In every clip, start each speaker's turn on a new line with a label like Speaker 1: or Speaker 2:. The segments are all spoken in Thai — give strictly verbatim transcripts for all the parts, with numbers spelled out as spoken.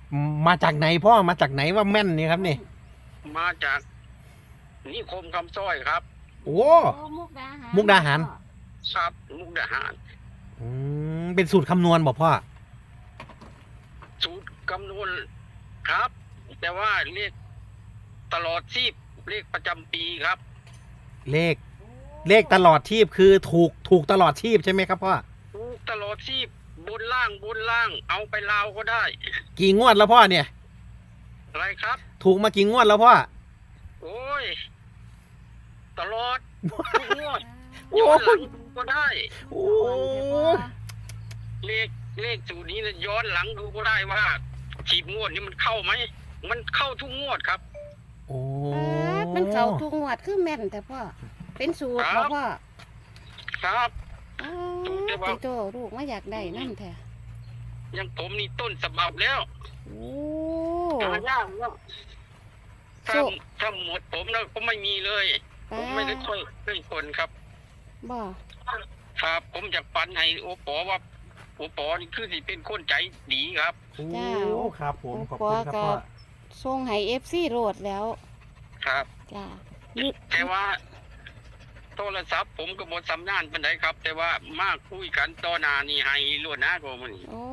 Speaker 1: มาจากไหนพ่อมาจากไหนว่าแม่นนี่ครับนี่
Speaker 2: มาจากนิคมคำสร้อยครับ
Speaker 1: โอ้
Speaker 3: โอ้มุกดาหาร
Speaker 1: มุกดาหาร
Speaker 2: ครับมุกดาหาร
Speaker 1: อืมเป็นสูตรคำนวณบอกพ่อ
Speaker 2: สูตรคำนวณครับ แต่ว่าเลขตลอดชีพเลขประจำปีครับ
Speaker 1: เลขเลขตลอดชีพคือถูกถูกตลอดชีพใช่ไหมครับพ่อ
Speaker 2: ถูกตลอดชีพบนล่างบนล่าง เอาไปลาวก็ได้
Speaker 1: กี่งวดแล้วพ่อเนี่ย
Speaker 2: อะไรครับ
Speaker 1: ถูกมากี่งวดแล้วพ่อ
Speaker 2: โอ้ย ตลอดทุกงวด
Speaker 1: โอ้
Speaker 2: ย้อนหลังดูก็ได้
Speaker 1: โอ้
Speaker 2: เลขเลขสูตรนี้นะย้อนหลังดูก็ได้ว่าฉีบงวดนี้มันเข้าไหมมันเข้าทุกงวดครับ
Speaker 1: โอ้
Speaker 3: ป๊าดมันเข้าทุกงวดคือแม่นแต่พ่อเป็นสูตร
Speaker 2: ครั
Speaker 3: บ่
Speaker 2: บ
Speaker 3: พ่อ
Speaker 2: ครับ
Speaker 3: อ๋อ
Speaker 2: สูตรเฉพาะ
Speaker 3: ติโตลูกมาอยากได้นั่นแท้
Speaker 2: อยังผมนี่ต้นฉบับแล้ว
Speaker 3: โอ้
Speaker 2: หายากแล้วถ้า
Speaker 3: สู้
Speaker 2: ถ้าหมดผมแล้วก็ไม่มีเลย ผ
Speaker 3: ป๊าม
Speaker 2: ไม่ได้ค่อยได้คนครับ
Speaker 3: บ่
Speaker 2: ครับ ผมอยากปันให้โอปอว่าโอปอนี่คือสิเป็นคนใจดีครับ
Speaker 1: โอ้ครับผมขอบ
Speaker 3: ปอ
Speaker 1: คุณครับ
Speaker 3: ก็
Speaker 1: พ่อ
Speaker 3: ส่งให้ เอฟ ซี โหลดแล้ว
Speaker 2: ครับ
Speaker 3: จ้า
Speaker 2: แต่ว่า โทรศัพท์ผมก็บดสำนานเป็นไดครับ แต่ว่ามาคุยกันต่อหน้านี่ให้ล้วนหน้าก็มัน
Speaker 3: โอ้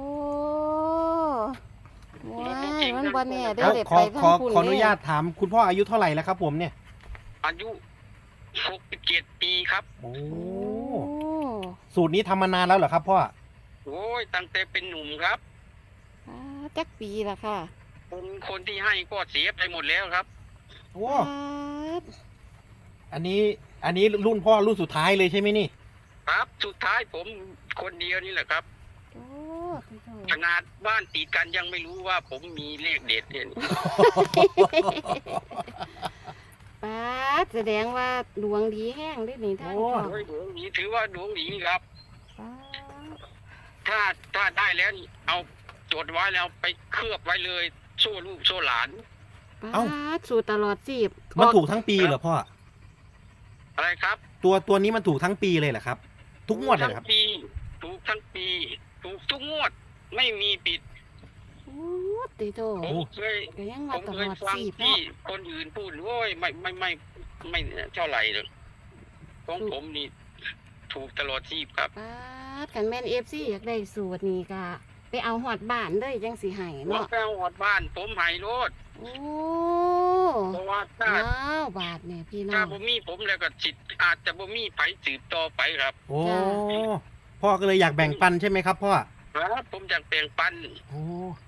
Speaker 3: ว้ายมันบ่แน่เด้
Speaker 1: แล้
Speaker 3: อ
Speaker 1: ว
Speaker 3: เด็ด
Speaker 1: ขอ
Speaker 3: ไป
Speaker 1: ขอ
Speaker 3: ทั้งคุณ
Speaker 1: ขออนุญาตถามคุณพ่ออายุเท่าไหร่แล้วครับผมเนี่ย
Speaker 2: อายุหกสิบเจ็ดปีครับ
Speaker 1: โอ้
Speaker 3: โอ้
Speaker 1: สูตรนี้ทำมานานแล้วเหรอครับพ่อ
Speaker 2: โอ้ยตั้งแต่เป็นหนุ่มครับ
Speaker 3: ป๊าดจักปีละค่ะ
Speaker 2: คนคนที่ให้ก็เสียไปหมดแล้วครับ
Speaker 1: โอ้
Speaker 3: ป๊าด
Speaker 1: อันนี้อันนี้รุ่นพ่อรุ่นสุดท้ายเลยใช่ไหมนี่
Speaker 2: ครับสุดท้ายผมคนเดียวนี่แหละครับ
Speaker 3: โอ้ติโต
Speaker 2: ขนาดบ้านติดกันยังไม่รู้ว่าผมมีเลขเด็ดเนี่ย
Speaker 3: ป๊าดแสดงว่าดวงดีแห้งได้นี่ท่าน
Speaker 1: โอ้
Speaker 3: พ่อ
Speaker 2: โอ้ยดวงดีถือว่าดวงดีครับ
Speaker 3: ป๊าด
Speaker 2: ถ้าถ้าได้แล้วนี่เอาจดไว้แล้วไปเคลือบไว้เลยโซ่ลูกโซ่หลาน
Speaker 3: ป๊าดสูตรตลอดจีบ
Speaker 1: มันถูกทั้งปีเหรอพ่อ
Speaker 2: อะไรครับ
Speaker 1: ตัวตัวนี้มันถูกทั้งปีเลยเหรอครับ ทุกงวดเลยเหรอครับ
Speaker 2: ทั้งปีถูกทั้งปี ถูกทุกงวด ไม่มีปิด
Speaker 3: โอ้ติโต
Speaker 2: ผมเคย
Speaker 3: ก็ยัง
Speaker 2: ผ
Speaker 3: ว่าม ต
Speaker 2: เค
Speaker 3: ล
Speaker 2: ย
Speaker 3: อด
Speaker 2: ฟัง
Speaker 3: จีบ
Speaker 2: ที่
Speaker 3: เนาะ
Speaker 2: คนอื่นพูดโอ้ยไม่ไม่ไม่ไม่ไม่เท่าไหร่เลยของผมนี่ถูกตลอดชีพครับ
Speaker 3: ป๊าดกันแม่น เอฟ ซี อยากได้สูตรนี่ก็ไปเอาหอดบ้านเลยจังสิให้
Speaker 2: ว่า
Speaker 3: เนาะ
Speaker 2: แก้วหอดบ้าน ผมหายโลด
Speaker 3: โอ้
Speaker 2: เพราะว่าถ้า
Speaker 3: ว้าวบาทเนี่ยพี่น้อ
Speaker 2: ถ้าง บ่มีผมแล้วก็จิตอาจจะบ่มีไผสืบต่อไปครับ
Speaker 1: โอ้
Speaker 3: จ้ะ
Speaker 1: พ่อก็เลยอยากแบ่งปันใช่ไหมครับพ่อ
Speaker 2: ครับ ผมอยากแบ่งปัน
Speaker 1: โอ้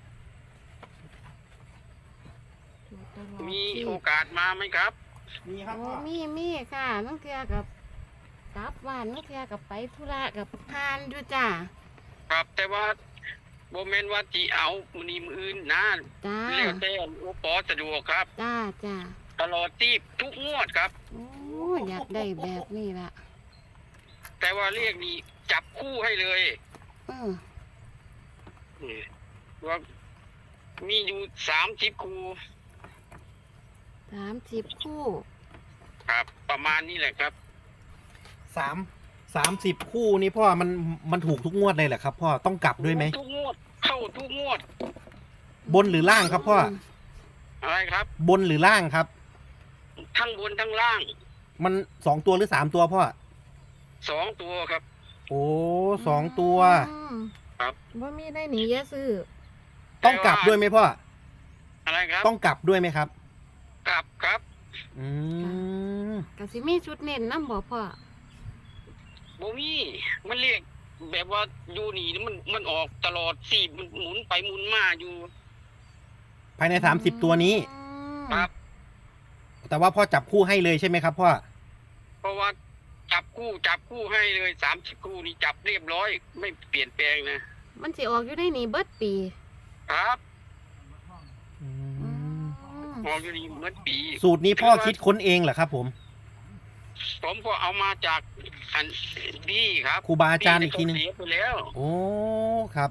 Speaker 3: สูตรตลอด
Speaker 2: มี
Speaker 3: จีบ
Speaker 2: โอกาสมาไหมครับ
Speaker 1: มีครับ
Speaker 3: โอ้
Speaker 1: พ่อ
Speaker 3: มีมีค่ะน้องเทือกับกลับบ้านน้องเทือกับไปธุระกับทานอยู่จ้า
Speaker 2: ครับ แต่ว่าบ่แม่นว่าสิเอามื้อนี้มื้ออื่นนะ
Speaker 3: จ้า
Speaker 2: แล้วแต่โอปอสะดวกครับ
Speaker 3: จ้าจ้า
Speaker 2: ตลอดชีพทุกงวดครับ
Speaker 3: โอ้อยากได้แบบนี้ละ
Speaker 2: แต่ว่าเรียกนี่จับคู่ให้เลย
Speaker 3: เออ
Speaker 2: นี่ว่ามีอยู่สามสิบคู่
Speaker 3: สามสิบคู่
Speaker 2: ครับ ประมาณนี้แหละครับ
Speaker 1: สามสามสิบคู่นี่พ่อมันมันถูกทุกงวดเลยเหรอครับพ่อต้องกลับด้วยไหม
Speaker 2: ทุกงวด เข้าทุกงวด
Speaker 1: บนหรือล่างครับพ่อ
Speaker 2: อะไรครับ
Speaker 1: บนหรือล่างครับ
Speaker 2: ทั้งบนทั้งล่าง
Speaker 1: มันสองตัวหรือสามตัวพ่อ
Speaker 2: สองตัวครับ
Speaker 1: โอ้สองตัว
Speaker 3: อืม
Speaker 2: ครับ
Speaker 3: ว่ามีได้หนีเยอะซื้อ
Speaker 1: ต้องกลับด้วยไหมพ่อ
Speaker 2: อะไรครับ
Speaker 1: ต้องกลับด้วยไหมครับ
Speaker 2: กลับครับ
Speaker 1: อืม
Speaker 3: กสิมีชุดเน้นน้ำบ่พ่อ
Speaker 2: บ่มีมันเรียกแบบว่าอยู่นี่มันมันออกตลอดสี่มันหมุนไปหมุนมาอยู่
Speaker 1: ภายในสามสิบตัวนี้
Speaker 3: อืม
Speaker 2: ครับ
Speaker 1: แต่ว่าพ่อจับคู่ให้เลยใช่ไหมครับพ่อ
Speaker 2: เพราะว่าจับคู่จับคู่ให้เลยสามสิบคู่นี่จับเรียบร้อย ไม่เปลี่ยนแปลงนะ
Speaker 3: มันสิออกอยู่ได้หนีเบิดปี
Speaker 2: ครับ
Speaker 1: อื
Speaker 3: อื
Speaker 1: ม
Speaker 3: ม
Speaker 2: ออกอยู่นี่เหมือนปี
Speaker 1: สูตรนี้พ่อคิดค้นเองเหรอครับผม
Speaker 2: ผมก็เอามาจากอันบี้ครับ
Speaker 1: ครูบาอาจารย์อีกทีนึง
Speaker 2: เสียไปแล้ว
Speaker 1: โอ้ครับ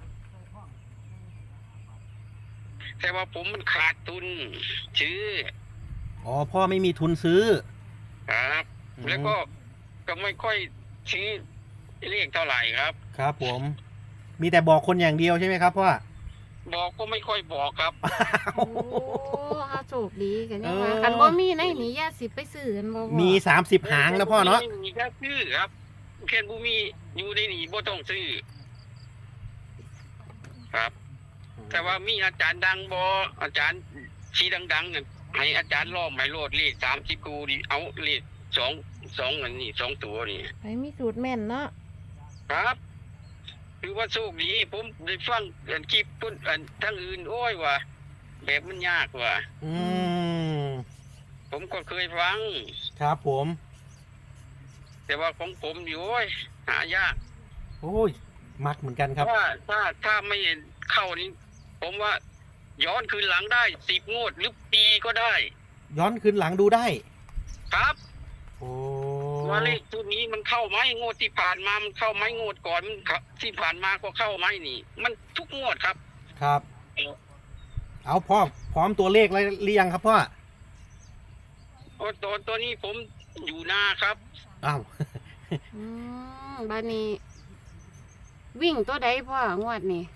Speaker 2: แต่ว่าผมมันขาดทุนซื้อ
Speaker 1: อ๋อพ่อไม่มีทุนซื้อ
Speaker 2: ครับ
Speaker 1: อืม
Speaker 2: แล้วก็ก็ไม่ค่อยซื้อเรียกเท่าไหร่ครับ
Speaker 1: ครับผม มีแต่บอกคนอย่างเดียวใช่ไหมครับพ่อ
Speaker 2: บอกก็ไม่ค่อยบอกครับ
Speaker 3: โอ้เฮาโชคดีกันยังว่า
Speaker 1: เออ
Speaker 3: คันบ่มีในนี่ย่าสิไปซื้อกันบ่พ่อ
Speaker 1: มีสามสิบหางนะพ่อเนาะ
Speaker 2: ไม่มีแค่ซื้อครับแค่บุมีอยู่ในนี่บ่ต้องซื้อครับ แต่ว่ามีอาจารย์ดังบออาจารย์ชีดังๆเนี่ยให้อาจารย์ล่อหมายโลดเลขสามสิบกูดิเอาเลขสองสองอันนี้สองตัวนี่
Speaker 3: ไปมีสูตรแม่นเนาะ
Speaker 2: ครับ คือว่าโชคดีผมได้ฟังอันคลิปพุ่นอันทั้งอื่นโอ้ยว่ะแบบมันยากว่ะ
Speaker 1: อืม
Speaker 2: ผมก็เคยฟัง
Speaker 1: ครับผม
Speaker 2: แต่ว่าของผมอยู่โอ้ยหายาก
Speaker 1: โอ้ยมักเหมือนกันครับ
Speaker 2: ถ้าถ้าถ้าไม่เข้านี้ผมว่าย้อนคืนหลังได้สิบงวดหรือปีก็ได้
Speaker 1: ย้อนคืนหลังดูได้
Speaker 2: ครับ
Speaker 1: โอ้
Speaker 2: ว่าเลขตัวนี้มันเข้าไหมงวดที่ผ่านมามันเข้าไหมงวดก่อนมันเข้าที่ผ่านมาก็เข้าไหมนี่ มันทุกงวดครับ
Speaker 1: ครับ เอาพ่อพร้อมตัวเลขแล้วหรือยังครับพ่อ
Speaker 2: โอ้ตัวตัวนี้ผมอยู่หน้าครับ
Speaker 1: อ้าว
Speaker 3: อืมบัดนี้ วิ่งตัวใดพ่องวดนี้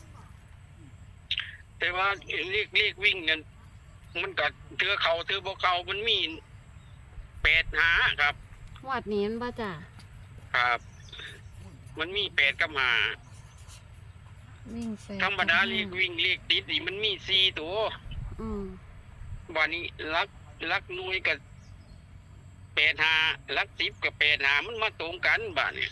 Speaker 2: แต่ว่าเลขเลขวิ่งเนี่ยมันก็เทือเขาเทือบ่เขามันมีแปดหาครับ
Speaker 3: งวดนี้มันบ่จ้ะ
Speaker 2: ครับ มันมีแปดกับหา
Speaker 3: วิ่งแปด
Speaker 2: ธรรมดาเลขวิ่งเลขติดนี่มันมีสี่ตัว
Speaker 3: อืม
Speaker 2: วันนี้ลักลักหน่วยกับแปดหาลักสิบกับแปดหามันมาตรงกันบ้านเนี่ย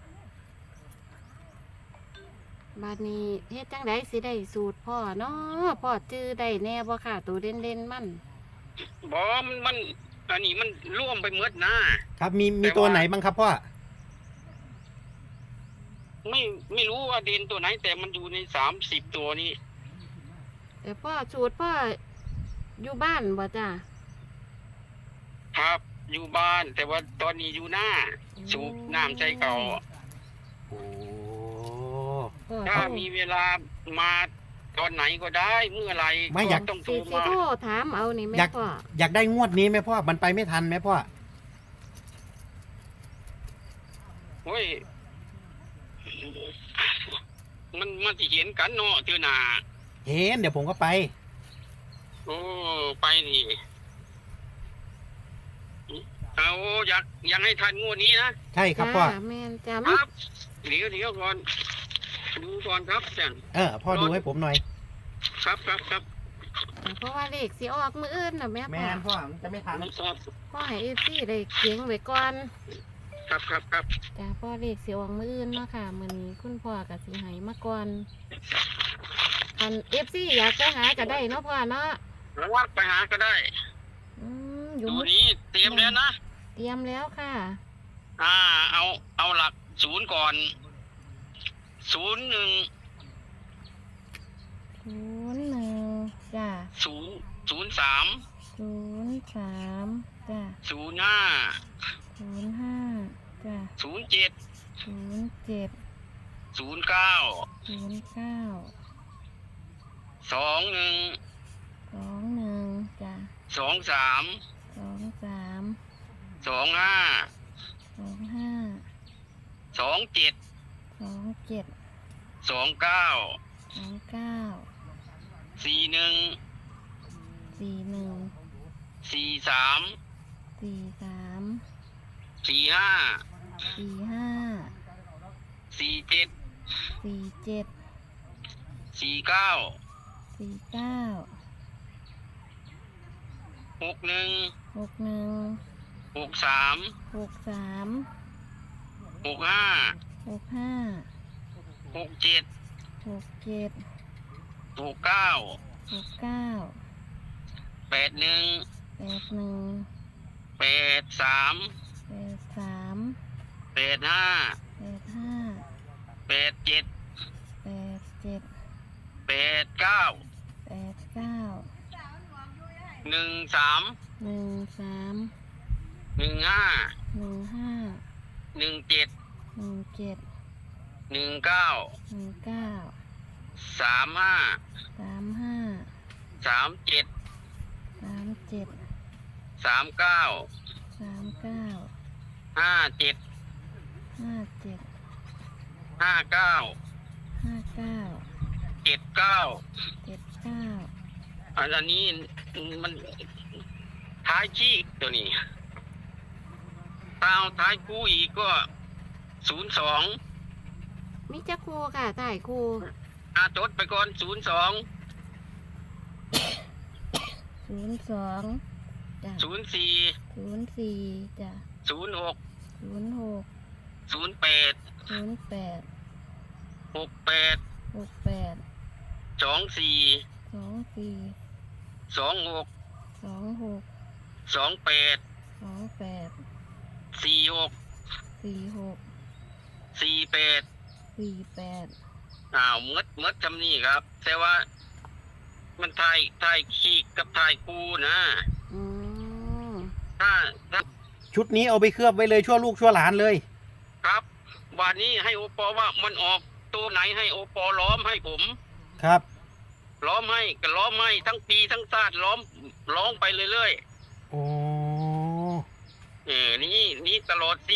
Speaker 3: บัดนี้เฮ็ดจังไดสิได้สูตรพ่อเนาะพ่อจื้อได้แน่บ่ค่ะตัวเด่นๆมัน
Speaker 2: บอมันมัน อันนี้มันร่วมไปหมดนะครับ
Speaker 1: มีมีตัวไหนบ้างครับพ่อ
Speaker 2: ไม่ไม่รู้ว่าเด่นตัวไหน แต่มันอยู่ในสามสิบตัวนี้
Speaker 3: แต่พ่อสูตรพ่ออยู่บ้านบ่จ้ะ
Speaker 2: ครับ อยู่บ้าน แต่ว่าตอนนี้อยู่หน้า สูบน้ำใจเก่า
Speaker 1: โอ้
Speaker 3: พ่อ
Speaker 2: ถ้ามีเวลามาตอนไหนก็ได้เมื่อไหร
Speaker 1: ไม่อยาก
Speaker 2: ต้องโท
Speaker 3: สิ
Speaker 2: ร
Speaker 3: สิ
Speaker 2: มา
Speaker 3: โทรถามเอานี่แม่
Speaker 1: อยาก
Speaker 3: พ่อ
Speaker 1: อยากได้งวดนี้ไหมพ่อ มันไปไม่ทันไหมพ่อ
Speaker 2: เฮ้ยมันมันสิเห็นกันเนาะเทือหนา
Speaker 1: เห็นเดี๋ยวผมก็ไป
Speaker 2: โอ้ไปนี่เอาอยากอยากให้ทันงวดนี้นะ
Speaker 1: ใช่ครับพ่อ
Speaker 3: จ้าแม่นจ้า
Speaker 2: ค
Speaker 3: มี
Speaker 2: รับเดี๋ยวเดี๋ยวก่อนดูก่อนครับจัง
Speaker 1: เออพ่อดูให้ผมหน่อย
Speaker 2: ครับครับครับ
Speaker 3: เพราะว่าเลขสิออกมื้ออื่นน่ะแม่
Speaker 1: แม
Speaker 3: พ่อน
Speaker 1: พ่อมันจะไม่ทัน
Speaker 2: ครับ
Speaker 3: พ่อให้ เอฟ ซี ได้เขียงไว้ก่อน
Speaker 2: ครับครับครับ
Speaker 3: จ้าพ่อเลขสิออกมื้ออื่นเนาะค่ะมื้อนี้คุณพ่อก็สิให้มาก่อนคัน เอฟ ซี อยากไปหาก็ได้เนาะพ่อเนาะ
Speaker 2: แล้วว่าไปหาก็ได้
Speaker 3: อืมอยู่
Speaker 2: ดู
Speaker 3: มื้อ
Speaker 2: นี้เตรียมแล้วนะ
Speaker 3: เตรียมแล้วค่ะ
Speaker 2: อ่า เอาเอาหลักศูนย์ก่อนศูนย์หนึ่ง
Speaker 3: ศูนย์หนึ่งจ้า
Speaker 2: ศูนย์ศูนย์สาม
Speaker 3: ศูนย์สามจ้า
Speaker 2: ศูนย์ห้า
Speaker 3: ศูนย์ห้าจ้า
Speaker 2: ศูนย์เจ็ด
Speaker 3: ศูนย์เจ็ด
Speaker 2: ศูนย์เก้า
Speaker 3: ศูนย์เก้า
Speaker 2: สองหนึ่ง
Speaker 3: สองหนึ่งจ้า
Speaker 2: สองสาม
Speaker 3: สองสาม
Speaker 2: สองห้า
Speaker 3: สองห้า
Speaker 2: สองเจ็ด
Speaker 3: สองเจ็ด
Speaker 2: สองเก้า
Speaker 3: สองเก้า
Speaker 2: สี่หนึ่ง
Speaker 3: สี่หนึ่ง
Speaker 2: สี่สาม
Speaker 3: สี่สาม
Speaker 2: สี่ห้า
Speaker 3: สี่ห้า
Speaker 2: สี่เจ็ด
Speaker 3: สี่เจ็ด
Speaker 2: สี่เก้า
Speaker 3: สี่เก้า
Speaker 2: หกหนึ่ง
Speaker 3: หกหนึ่ง
Speaker 2: หกสาม
Speaker 3: หกสาม
Speaker 2: หกห้า
Speaker 3: หกห้า
Speaker 2: หกเจ็ด
Speaker 3: หกเจ็ด
Speaker 2: หกเก้า
Speaker 3: หกเก้า
Speaker 2: แปดหนึ่ง
Speaker 3: แปดหนึ่ง
Speaker 2: แปดสาม
Speaker 3: แปดสาม
Speaker 2: แปดห้า
Speaker 3: แปดห้า
Speaker 2: แปดเจ็ด
Speaker 3: แปดเจ็ด
Speaker 2: แปดเก้า
Speaker 3: แปดเก้า
Speaker 2: หนึ่งสาม
Speaker 3: หนึ่งสาม
Speaker 2: หนึ่งห้า
Speaker 3: หนึ่งห้า
Speaker 2: หนึ่งเจ็ด
Speaker 3: หนึ่งเจ็ด
Speaker 2: หนึ่งเก้า
Speaker 3: หนึ่งเก้า
Speaker 2: สามห้า
Speaker 3: สามห้า
Speaker 2: สามเจ็ด
Speaker 3: สามเจ็ด
Speaker 2: สามเก้า
Speaker 3: สามเก้า
Speaker 2: ห้าเจ็ด
Speaker 3: ห้าเจ็ด
Speaker 2: ห้าเก้า
Speaker 3: ห้าเก้า
Speaker 2: เจ็ดเก้า
Speaker 3: เจ็ดเก้า
Speaker 2: อันนี้มันท้ายชี้ตัวนี้ตาวท้ายคู่อีกก็ศูนย์สอง
Speaker 3: มิจะครูค่ะใต้ครู
Speaker 2: อาจดไปก่อนศูนย์สอง
Speaker 3: ศูนย์สองจ้ะ
Speaker 2: ศูนย์สี่
Speaker 3: ศูนย์สี่จ้ะ
Speaker 2: ศูนย์หก
Speaker 3: ศูนย์หก
Speaker 2: ศูนย์แปด
Speaker 3: ศูนย์แปด
Speaker 2: หกแปด
Speaker 3: หกแปด
Speaker 2: สองสี่
Speaker 3: สองสี่
Speaker 2: สองหก
Speaker 3: สองหก
Speaker 2: สองแปด
Speaker 3: สองแปด
Speaker 2: สี่หก
Speaker 3: สี่หก
Speaker 2: สี่แปด
Speaker 3: สี่แปด
Speaker 2: อ้าวมดมดทำนี่ครับ แต่ว่า มันทายทายขี้กับทายกูนะ
Speaker 3: อืม
Speaker 2: ถ้าถ้า
Speaker 1: ชุดนี้เอาไปเคลือบไว้เลยชั่วลูกชั่วหลานเลย
Speaker 2: ครับวันนี้ให้โอปอว่ามันออกตัวไหนให้โอปอล้อมให้ผม
Speaker 1: ครับ
Speaker 2: ล้อมให้ก็ล้อมให้ทั้งปีทั้งชาติล้อมล้อมไปเรื่อย
Speaker 1: โอ้
Speaker 2: ๆเออนี่นี่ตลอดสิ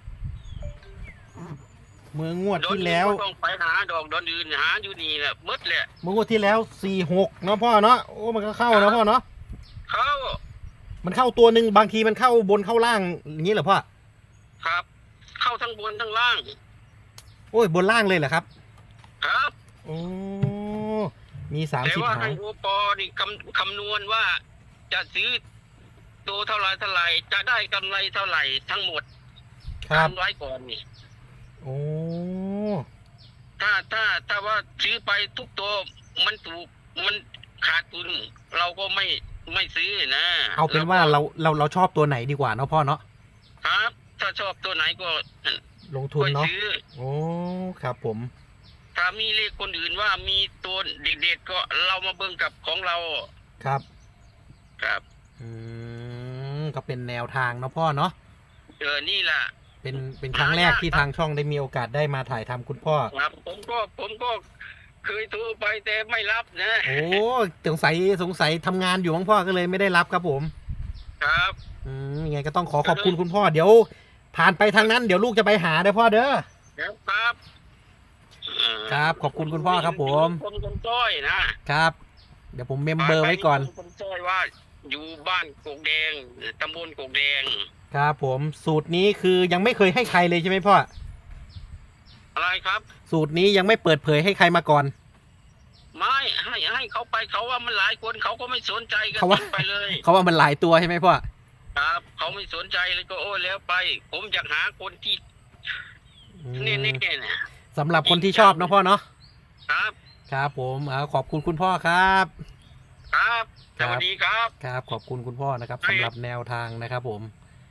Speaker 1: เมื่องวด
Speaker 2: ดอน
Speaker 1: ที่
Speaker 2: อื่น
Speaker 1: แล้ว
Speaker 2: ก็ต้องไปหาดอกดอนอื่นหาอยู่นี่แหละมืดแหละ
Speaker 1: เมื่องวดที่แล้วสี่หกเนาะพ่อเนาะโอ้มันก็เข้าเนาะพ่อเนาะ
Speaker 2: เขา
Speaker 1: มันเข้าตัวหนึ่งบางทีมันเข้าบนเข้าล่างอย่างนี้เหรอพ่อ
Speaker 2: ครับ เข้าทั้งบนทั้งล่าง
Speaker 1: โอ้ยบนล่างเลยเหรอครับ
Speaker 2: ครับ
Speaker 1: โอ้มีสาม
Speaker 2: แต่
Speaker 1: สิบ
Speaker 2: ว่า
Speaker 1: หา
Speaker 2: ให้
Speaker 1: ง
Speaker 2: โอปอนี่คำคำนวณว่า จะซื้อตัวเท่าไรเท่าไรจะได้กำไรเท่าไหร่ทั้งหมด
Speaker 1: ครับ
Speaker 2: ทำไว้ก่อนนี่
Speaker 1: โอ้
Speaker 2: ถ้าถ้าถ้าว่าซื้อไปทุกตัวมันถูกมันขาดทุน เราก็ไม่ไม่ซื้อนะ
Speaker 1: เอาเป็นว่าเราเราเราชอบตัวไหนดีกว่าเนาะพ่อเนาะ
Speaker 2: ครับ ถ้าชอบตัวไหนก็
Speaker 1: ลงทุน
Speaker 2: ค่อย
Speaker 1: เนาะ
Speaker 2: ซื้อ
Speaker 1: โอ้ครับผม
Speaker 2: ถ้ามีเลขคนอื่นว่ามีตัวเด็ดๆก็เรามาเบิ่งกับของเรา
Speaker 1: ครับ
Speaker 2: ครับ
Speaker 1: อืมก็เป็นแนวทางเนาะพ่อเนาะ
Speaker 2: เออนี่แหละ
Speaker 1: เป็นเป็นครั้งแรกที่ทางช่องได้มีโอกาสได้มาถ่ายทำคุณพ่อ
Speaker 2: ครับผมก็ผมก็เคยโทรไปแต่ไม่รับนะ
Speaker 1: โอ้สงสัยสงสัยทำงานอยู่มั้งพ่อก็เลยไม่ได้รับครับผม
Speaker 2: ครับ
Speaker 1: อืมยังไงก็ต้องขอขอบคุณคุณพ่อเดี๋ยว ผ่านไปทางนั้นเดี๋ยวลูกจะไปหาเด้อพ่อเด้อ
Speaker 2: ครับครับเอ่อ
Speaker 1: ครับขอบคุณคุณพ่อครับผม
Speaker 2: คนคนจ้อยนะครับ
Speaker 1: เดี๋ยวผมเมมเบอร์ไว้ก่อน
Speaker 2: คนจ้อยว่า อยู่บ้านกกแดงตำบลกกแดง
Speaker 1: ครับผมสูตรนี้คือยังไม่เคยให้ใครเลยใช่ไหมพ่อ
Speaker 2: อะไรครับ
Speaker 1: สูตรนี้ยังไม่เปิดเผยให้ใครมาก่อน
Speaker 2: ไม่ให้ให้เขาไปเขาว่ามันหลายคนเขาก็ไม่สนใจกัน
Speaker 1: เขาว่า
Speaker 2: ไปเลย
Speaker 1: เขาว่ามันหลายตัวใช่ไหมพ่อ
Speaker 2: ครับ เขาไม่สนใจเลยก็โอ้แล้วไป ผมอยากหาคนที่
Speaker 1: อืม
Speaker 2: เน่ๆเนี่ย
Speaker 1: สำหรับคนที่ชอบเนาะพ่อเนาะ
Speaker 2: ครับ
Speaker 1: ครับผมเอาขอบคุณคุณพ่อครับ
Speaker 2: ครับสวัสดีครับ
Speaker 1: ครับขอบคุณคุณพ่อนะครับสำหรับแนวทางนะครับผม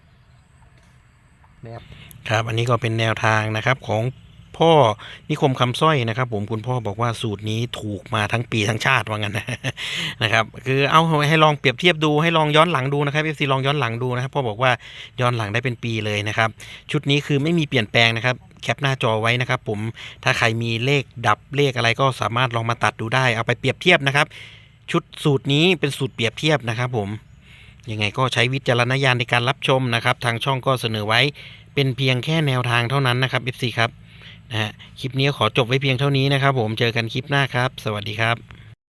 Speaker 1: นะครับครับอันนี้ก็เป็นแนวทางนะครับของพ่อนิคมคำสร้อยนะครับ ผมคุณพ่อบอกว่าสูตรนี้ถูกมาทั้งปีทั้งชาติว่างั้นนะ นะครับคือเอาให้ลองเปรียบเทียบดูให้ลองย้อนหลังดูนะครับเอฟซีลองย้อนหลังดูนะครับพ่อบอกว่าย้อนหลังได้เป็นปีเลยนะครับชุดนี้คือไม่มีเปลี่ยนแปลงนะครับแคปหน้าจอไว้นะครับผมถ้าใครมีเลขดับเลขอะไรก็สามารถลองมาตัดดูได้เอาไปเปรียบเทียบนะครับชุดสูตรนี้เป็นสูตรเปรียบเทียบนะครับผมยังไงก็ใช้วิจารณญาณในการรับชมนะครับทางช่องก็เสนอไว้เป็นเพียงแค่แนวทางเท่านั้นนะครับ เอฟ ซี ครับนะฮะคลิปนี้ขอจบไว้เพียงเท่านี้นะครับผมเจอกันคลิปหน้าครับสวัสดีครับ